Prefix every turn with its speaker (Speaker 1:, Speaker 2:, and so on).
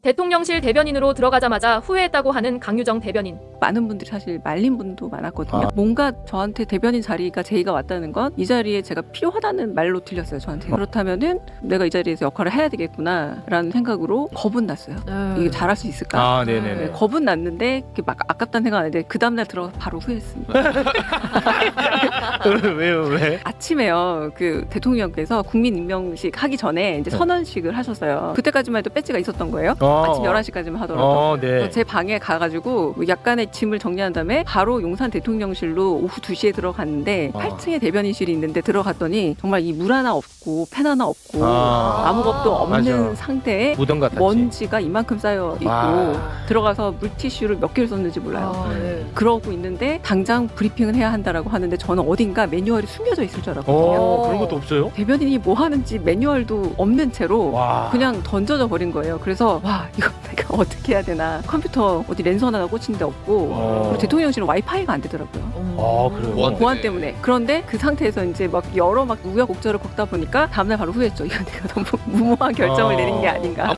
Speaker 1: 대통령실 대변인으로 들어가자마자 후회했다고 하는 강유정 대변인.
Speaker 2: 많은 분들이 사실 말린 분도 많았거든요. 뭔가 저한테 대변인 자리가 제의가 왔다는 건 이 자리에 제가 필요하다는 말로 들렸어요, 저한테. 그렇다면은 내가 이 자리에서 역할을 해야 되겠구나라는 생각으로 겁은 났어요. 이게 잘할 수 있을까?
Speaker 3: 아, 네네네.
Speaker 2: 네, 겁은 났는데 막 아깝다는 생각 안 했는데 그 다음날 들어가서 바로 후회했습니다.
Speaker 3: 왜요, 왜?
Speaker 2: 아침에요, 그 대통령께서 국민임명식 하기 전에 이제 선언식을 하셨어요. 그때까지만 해도 배지가 있었던 거예요. 아침 11시까지만 하더라도.
Speaker 3: 네.
Speaker 2: 제 방에 가가지고 약간의 짐을 정리한 다음에 바로 용산 대통령실로 오후 2시에 들어갔는데 8층에 대변인실이 있는데 들어갔더니 정말 이 물 하나 없고 펜 하나 없고 아무 것도 없는
Speaker 3: 맞아.
Speaker 2: 상태에
Speaker 3: 무덤 같았지.
Speaker 2: 먼지가 이만큼 쌓여 있고 들어가서 물티슈를 몇 개를 썼는지 몰라요. 그러고 있는데 당장 브리핑을 해야 한다라고 하는데 저는 어딘가 매뉴얼이 숨겨져 있을 줄 알았거든요.
Speaker 3: 그런 것도 없어요?
Speaker 2: 대변인이 뭐 하는지 매뉴얼도 없는 채로
Speaker 3: 와.
Speaker 2: 그냥 던져져 버린 거예요. 그래서 와, 이거 내가 어떻게 해야 되나. 컴퓨터 어디 랜선 하나 꽂힌 데 없고 그리고 대통령실은 와이파이가 안 되더라고요.
Speaker 3: 그래요?
Speaker 2: 보안 때문에. 그런데 그 상태에서 이제 막 여러 막 우여곡절을 겪다 보니까 다음날 바로 후회했죠. 이거 내가 너무 무모한 결정을 내린 게 아닌가.